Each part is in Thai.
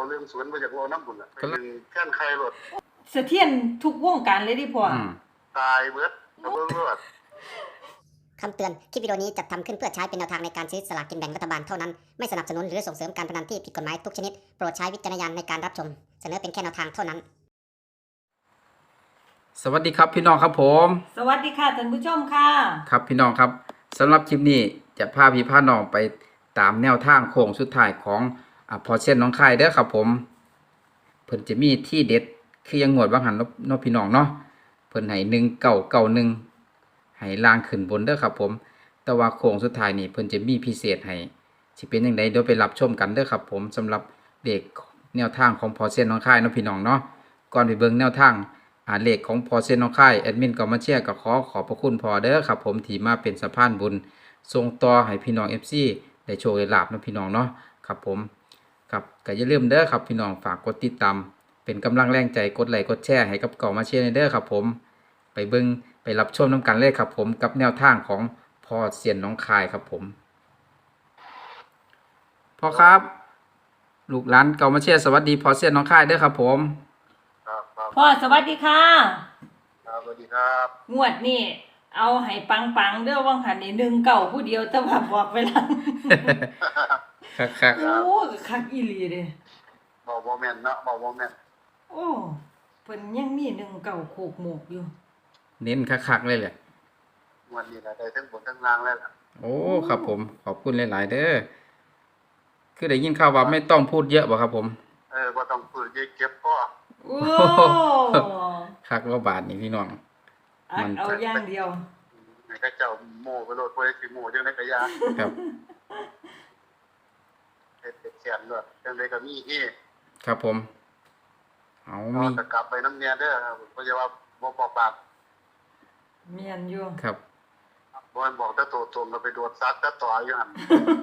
เรื่องสวนมาจากว่าน้ำบุญอ่ะไปดึงแค่นใครรถเสถียรทุกวงการเลยดิพ่อตายเบิดกระเบื้องรถคำเตือน คลิปวิดีโอนี้จัดทำขึ้นเพื่อใช้เป็นแนวทางในการซื้อสลากกินแบ่งรัฐบาลเท่านั้น ไม่สนับสนุนหรือส่งเสริมการพนันที่ผิดกฎหมายทุกชนิด โปรดใช้วิจารณญาณในการรับชม เสนอเป็นแค่แนวทางเท่านั้นสวัสดีครับพี่น้องครับผมสวัสดีค่ะท่านผู้ชมค่ะครับพี่น้องครับสำหรับคลิปนี้จะพาพี่พาน้องไปตามแนวทางโค้งสุดท้ายของพอเช่นน้องคายเด้อครับผมเพิ่นจะมีที่เด็ดคือยังงวดบางหันเนาะพี่น้องเนาะเพิ่นให้1991ให้ล่างขึ้นบนเด้อครับผมแต่ว่าโค้งสุดท้ายนี่เพิ่นจะมีพิเศษให้สิเป็นจังไดเดี๋ยวไปรับชมกันเด้อครับผมสำหรับเลขแนวทางของพอเช่นน้องคายเนาะพี่น้องเนาะก่อนไปเบิ่งแนวทางเลขของพอเซนน้องค่ายแอดมินก็มาเชียร์ก็ขอบพระคุณพอเด้อครับผมที่มาเป็นสะพานบุญส่งต่อให้พี่น้อง FC ได้โชคได้ลาภนะพี่น้องเนาะครับผมครับก็อย่าลืมเด้อครับพี่น้องฝากกดติดตามเป็นกำลังแรงใจกดไลค์กดแชร์ให้กับเก่ามาเชียร์เด้อครับผมไปเบิ่งไปรับชมน้ำกันเลยครับผมกับแนวทางของพอเซียนน้องค่ายครับผมพ่อครับลูกหลานเก่ามาเชียร์สวัสดีพอเซียนน้องค่ายเด้อครับผมพ่อสวัสดีค่ะสวัสดีครับงวดนี่เอาให้ปังๆเด้อว่างหันนี่19ผู้เดียวแต่ว่าบอกไปแล้วคักโอ้คักอีหลีเด้บ่แม่นเนาะบ่แม่นโอ้เพิ่นยังมี19โคกหมกอยู่เน้นคักๆเลยแหละวันนี้ได้ทั้งบนทั้งล่างแล้วล่ะโอ้ครับผมขอบคุณหลายๆเด้อคือได้ยินข่าวว่าไม่ต้องพูดเยอะบ่ครับผมบ่ต้องพูดเยอะเก็บพ่อโอ้คักว่าบาทนี่พี่น้องมันเอาอย่างเดียวให้เขาเจ้าโม่ไปโลดบ่ได้สิโม่จังได๋ก็ยาครับเฮ็ดแซ่บด้วยจังได๋ก็มีที่ครับผมเอามีตะกลับไปน้ำเนียเด้อบ่จะว่าบ่ปอกปากเมียนอยู่ครับบ่มันบอกแต่โตตรงก็ไปโดดซัดแต่ต่ออยู่หั่น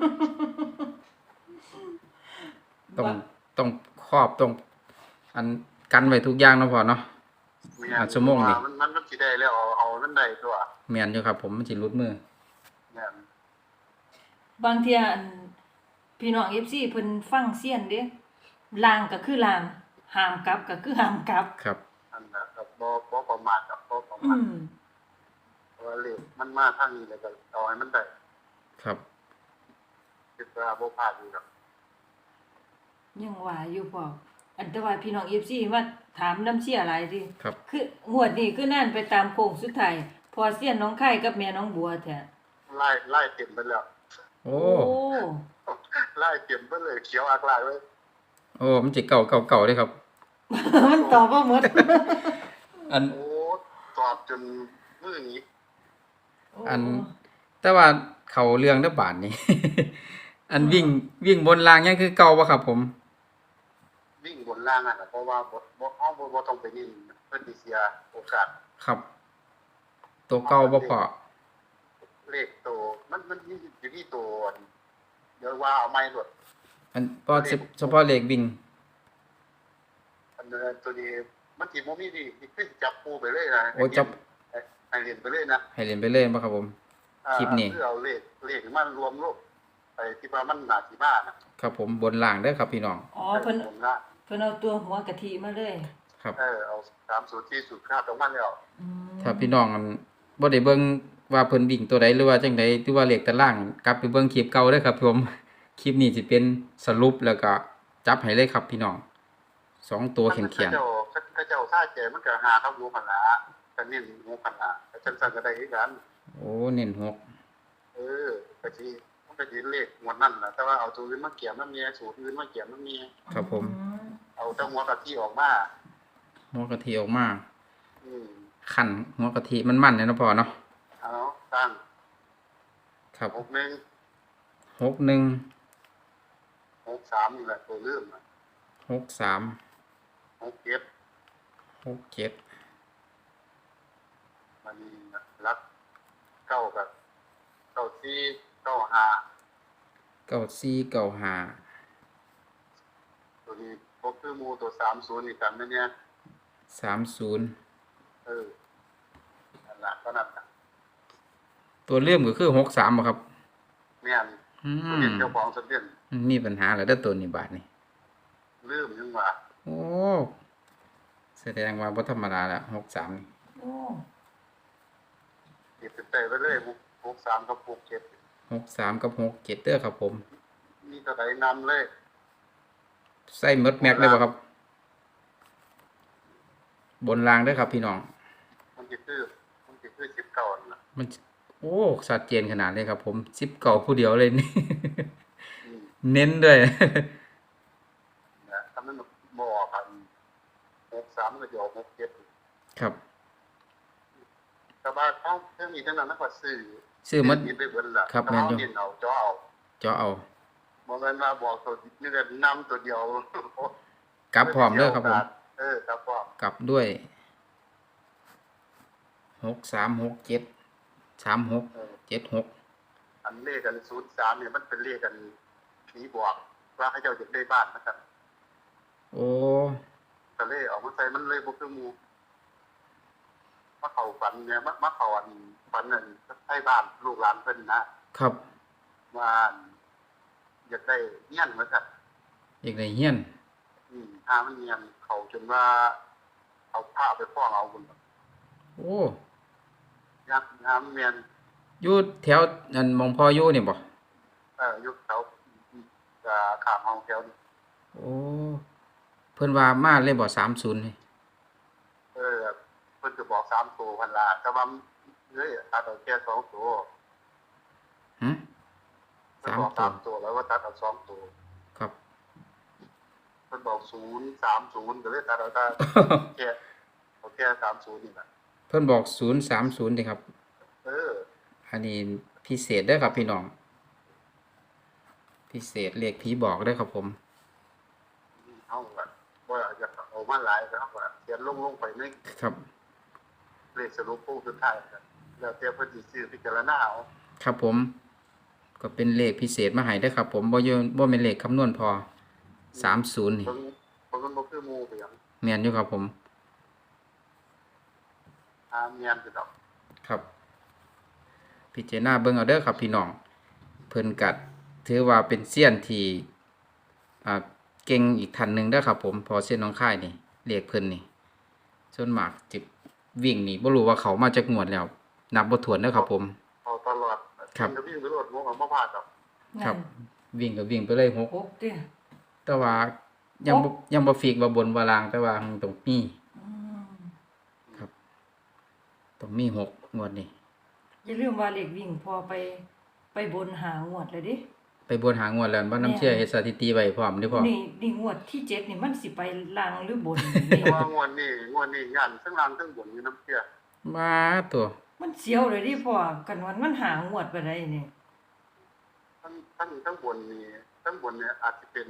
ต้องครอบต้องอันกันไว้ทุกอย่างเนาะพ่อเนาะชั่วโมงนี่มันสิได้แล้วเอามันได้ตัวแม่นอยู่ครับผมมันสิหลุดมือแม่นบางเที่ยพี่น้อง FC เพิ่นฟังเสียนเด้ลางก็คือลางห้ามกลับก็คือห้ามกลับครับอันน่ะก็บ่ประมาทกับบ่ประมาทเพราะว่าเลขมันมาทางนี้แล้วก็เอาให้มันได้ครับคิดว่าบ่พลาดอยู่ดอกยังว่าอยู่พ่ออันแต่ว่าพี่น้อง FC ว่าถามน้ำเสียหลายติคืองวดนี้คือนั่นไปตามโค้งสุดท้ายพอเสียนน้องไข่กับแม่น้องบัวแท้ไล่เต็มไปแล้วโอ้ไล่เต็มไปเลยเขียวอักลายไว้โอ้มันสิเก่าเด้ครับมันตอบบ่หมดอันโอ้ตอบจนมื้อนี้อันแต่ว่าเข้าเรื่องเด้อบาดนี้อันวิ่งบนรางยังคือเก่าบ่ครับผมวิ่งบนล่างอ่ะเพราะว่าบ่ต้องไปนิ่งเพิ่นสิเสียโอกาสครับตัวเก่าบ่พอเลขตัวมันมีอยู่ที่ตัวเดี๋ยวว่าเอาไม้รถอันพอเฉพาะเลขวิ่งอันตัวนี้มันสิบ่มีดีขึ้นจับปูไปเลยนะโอ้จับให้เรียนไปเลยนะให้เรียนไปเลยบ่ครับผมคลิปนี้คือเอาเลขมันรวมโลกไปที่ว่ามันน่าสิมานะครับผมบนล่างเด้อครับพี่น้องอ๋อเพิ่นเอาตัวหัวกะทิมาเลยครับเอา3สูตรที่สูตรค่าตรงมันแล้วถ้าพี่น้องมันบ่ได้เบิ่งว่าเพิ่นวิ่งตัวใดหรือว่าจังได๋หรือว่าเลขตารางกลับไปเบิ่งคลิปเก่าเด้อครับผมคลิปนี้สิเป็นสรุปแล้วก็จับให้เลยครับพี่น้อง2ตัวเขียนเขาเจ้าท่าแจมันก็หาครับรู้หั่นล่ะก็เน้นหูหั่นล่ะจังซั่นก็ได้คือกันโอ้เน้น6 ก็สิมันก็สิเลขงวดนั้นน่ะแต่ว่าเอาตัวอื่นมาเกี่ยมนำเนี่ยสูตรอื่นมาเกี่ยมนำเนี่ยครับผมเอาแต่หัวกะทิออกมาหัวกะทิออกมาคั่นหัวกะทิมันๆเนี่ยเนาะพ่อเนาะเอาตั้งครับ 61 61 63นี่แหละตัวลืม 63 67มันรัก9กับ94 95ตัวนี้พบคือหมู่ตัว30นี่กันแม่เนี่ย 30 นั่นล่ะก็นั่นน่ะตัวเลื่อมก็คือ63บ่ครับแม่นตัวนี้เจ้าของสำเร็จมีปัญหาแล้วเด้อตัวนี้บาดนี้ลืลืมยังว่าโอ้แสดงว่าบ่ธรรมดาละ63นี่โอ้ติดไปไปเลย63กับ67 63กับ67เด้อครับผมมีเท่าใดนำเลยใส่หมดแม็กเลยบ่ครับ บนรางเด้อครับพี่น้องมันสิคือ19นั่นล่ะมันโอ้ชัดเจนขนาดเลยครับผม19ผู้เดียวเลยนี่อืมเน้นด้วยนะถ้ามันบ่ออกกัน63ก็จะออก67 ครับแต่ว่าเขาเรื่องนี้เท่านั้นนะก็ซื้อหมดไปเบิดล่ะครับแต่แม่นเขาอยู่เน้นเอาจ่อเอาเจาะเอาบ่แม่นว่าบอกตัวนี่ก็นำตัวเดียวกลับพร้อมเด้อครับผมครับพร้อมกลับด้วย6367 3676 อันเลขกัน03เนี่ยมันเป็นเลขกันผีบอกว่าเขาเจ้าจะได้บ้านนะครับโอ้ก็เลยเอามาใส่มันเลยบ่คือหมู่มาเข้าฝันเนี่ยมาเข้าอันฝันนั่นให้บ้านลูกหลานเพิ่นนะครับ ว่าอยากได้เฮียนเหมือนกันอีกในเฮียนถ้ามันเฮียนเขาจนว่าเอาผ้าไปฟ้องเอาบุญโอ้ยักน้ำเมียนอยู่แถวอันหมองพ่ออยู่นี่บ่ยุคเขาขามห้องแถวนี่โอ้เพิ่นว่ามาเลยบ่30นี่เพิ่นก็บอก3ตัวพันละแต่ว่าเอ้ยตัดเอาแค่2ตัวหึเพิ่นบอก 3 3ตัวแล้วว่าตัดเอา2ตัวครับเพิ่นบอก030ก็เลยตัดเอาได้แค่เอาแค่30นี่แหละเพิ่นบอก030นี่ครับเอออันนี้พิเศษเด้อครับพี่น้อง พิเศษเรียกผีบอกเด้อครับผมเฮาก็บ่อยากเอามาหลายครับว่าเขียนลงไปในครับเลขสรุปผู้สุดท้ายครับแล้วแต่เพิ่นสิซื้อพิจารณาเอาครับผม ก็เป็นเลขพิเศษมาให้เด้อครับผมบ่แม่นเลขคำนวณพอ30นี่เพิ่นบ่คือหมู่ไปหยังแม่นอยู่ครับผมเมียนคือดอกครับ พิจารณาเบิ่งเอาเด้อครับพี่น้อง เพิ่นก็ถือว่าเป็นเซียนที่เก่งอีกท่านหนึงเด้อครับผมพอเซียนน้องค่ายนี่เรียกเพิ่นนี่ส่วนมากจิวิ่งนี่บ่รู้ว่าเขามาจากงวดแล้ว นับบ่ถ้วนเด้อครับผมเอาตลอดครับจะวิ่งไปรถบ่บ่พลาดดอกครับนั่นวิ่งก็วิ่งไปเลยหกหกเด้อแต่ว่ายังบ่ฟิกว่าบนว่าล่างแต่ว่าต้องมีอืมต้องมีหกงวดนี่อย่าลืมว่าเลขวิ่งพอไปบนหางวดเลยดิไปบนหางวดแล้วบ่น้ำเชื่อเฮ็ดสถิติไว้พร้อมเด้อพ่อนี่งวดที่7นี่มันสิไปล่างหรือบนเพราะว่างวดนี้ย่านทั้งล่างทั้งบนอยู่น้ำเชื่อมาตัวมันเสียวเลยดิพ่อกันวันมันหางวดไปได้นี่ทั้งบนนี่อาจจะเป็น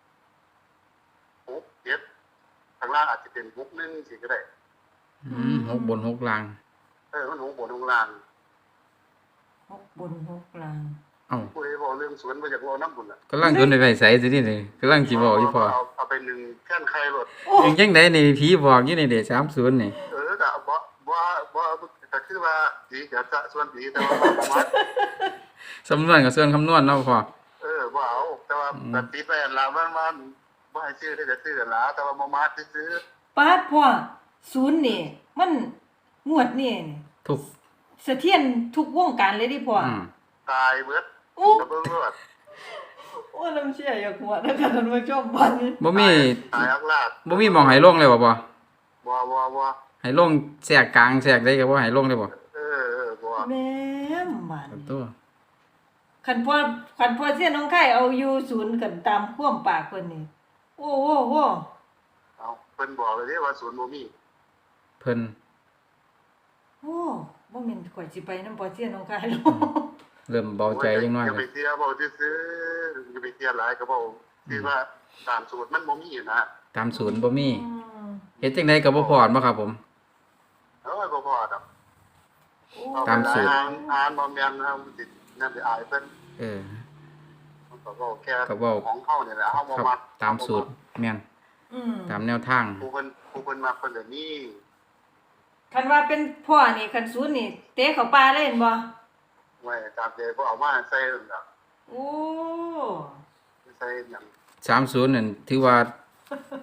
6 7ข้างล่างอาจจะเป็น6 1สิก็ได้หกบนหกล่างมัน6บน6ล่างหกบนหกล่างเอ้าผู้ใดบอกเรื่องสวนบ่อยากเว้านำบุญล่ะกำลังโดนไปใส่สินี่กำลังสิบอกอยู่พ่อเอาไป1แค่นไข่รถยังจังได๋นี่ผีบอกอยู่นี่เด้30นี่ก็บ่ก็คือว่าดีก็จะส่วนดีแต่ว่าบ่มัดสำนวนกับส่วนคำนวณเนาะพ่อบ่เอาแต่ว่าปฏิไปอันละมันบ่ให้ซื้อได้ก็ซื้อกันละแต่ว่าบ่มาซื้อปาดพ่อศูนย์นี่ มันงวดนี่ทุกเสถียรทุกวงการเลยดิพ่อตายเบิดโอ้ก็เบิ่งรอดโอ้น้ำเชี่ยอยากหัวนะคะท่านผู้ชมบัดนี้บ่มีตายอักลาดบ่มีหม่องให้ลงเลยบ่พ่อบ่ให้ลงแทรกกลางแทรกได้ก็บ่ให้ลงเลยบ่บ่แม่มบัดตัวคันพ่อเสียน้องไข่เอาอยู่ศูนย์กันตามความปากเพิ่นนี่โอ้โหเอาเพิ่นบอกเลยเด้ว่าศูนย์บ่มีเพิ่นโอ้บ่แม่นข่อยสิไปนำพ่อเสียน้องไข่หรอกเริ่มเบาใจจังน้อยอย่าเลไปยเสียบ่ซื่ออย่าไปเสียหลายก็บ่คือว่าตามสูตรมันบ่มีนะตามศูนย์บ่มีอืมเฮ็ดจังไดก็บ่พอบ่ครับผมบ่พอดอกโอ้ตามสูตรอ่านบ่แม่นเฮาสินั่นสิอายเพิ่นเออมันก็เว้าแค่ก็เว้าของเฮานี่แหละเฮาบ่ครับมักตามสูตรแม่นอืมตามแนวทางผู้เพิ่นมักเพิ่นก็มีคันว่าเป็นพ่อนี่คันศูนย์นี่เตะเข้าป่าเลยเห็นบ่ไว้ตามใจบ่เอามาใส่นั่นล่ะโอ้ใส่หยัง 30นั่นถือว่า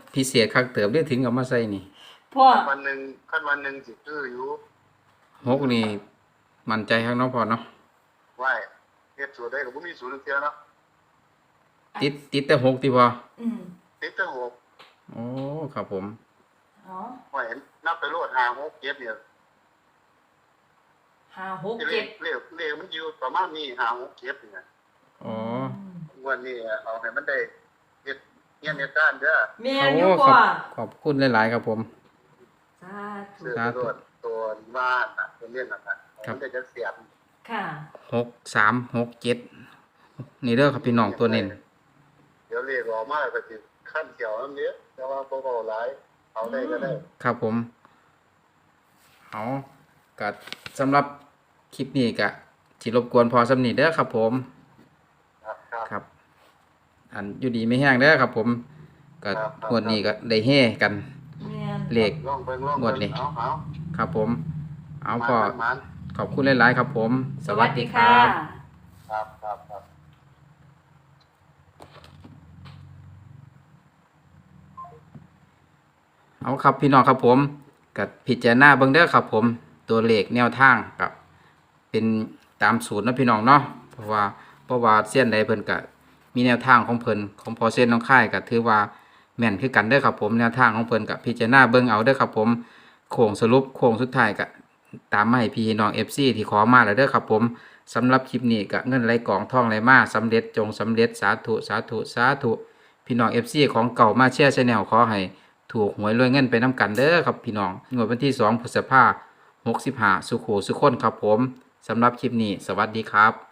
พิเศษคักเติบได้ถึงเอามาใส่นี่พ่อวันหนึ่งสิซื้ออยู่ 6นี่มั่นใจข้างเนาะพ่อเนาะไหว้เฮ็ดสูตรได้ก็บ่มีสูตรเสียเนาะติดแต่6ติพ่ออืมติดแต่หกโอ้ครับผมอ๋อไหว้นับไปโลด5 6 7เนี่ย 5 6 เลข 7 เลขมันอยู่ประมาณนี้5 6 7เนี่ยอ๋อวันนี้เอาให้มันได้เฮ็ดเงี้ยเนี่ยด้านเด้อแม่โอ้อยู่ขพ่ออบขอบคุณหลายๆครับผมสาธุซื้อไปโลดตัวบ้านน่ะตัวเนี้ยน่ะมันได้จะเสียบค่ะ 6367นี่เด้อครับพี่น้องตัวเน้นเดี๋ยวเลขออกมาก็สิขั้นเขียวน้ำเนี้ยแต่ว่าบ่เบาหลายเอาได้ก็ได้ครับผมเอาก็สำหรับคลิปนี้ก็สิรบกวนพอสำนีเด้อครับผมครับครับ อันอยู่ดีไม่แห้งเด้อครับผมก็งวดนี้ก็ได้เฮ่กันแม่นเลขลองเบิ่งงวดนี้เอาครับผม เอาๆพอมันขอบคุณหลายๆครับผม สวัสดีครับครับเอาครับพี่น้องครับผมกับพิจารณาเบิ่งเด้อครับผมตัวเลขแนวทางกับเป็นตามสูตรนะพี่น้องเนาะเพราะว่าเส้นใดเพิ่นก็มีแนวทางของเพิ่นของพอเส้นน้องค่ายก็ถือว่าแม่นคือกันเด้อครับผมแนวทางของเพิ่นกับพิจารณาเบิ่งเอาเด้อครับผมโค้งสรุปโค้งสุดท้ายก็ตามมาให้พี่น้อง FC ที่ขอมาแล้วเด้อครับผมสำหรับคลิปนี้ก็เงินไหลกองทองไหลมาสำเร็จจงสำเร็จสาธุสาธุสาธุพี่น้อง FC ของเก่ามาเชียร์ Channel ขอให้ถูกหวยรวยเงินไปน้ำกันเด้อครับพี่น้องงวดวันที่2 พฤษภาคม 65สุขสุขคนครับผมสำหรับคลิปนี้สวัสดีครับ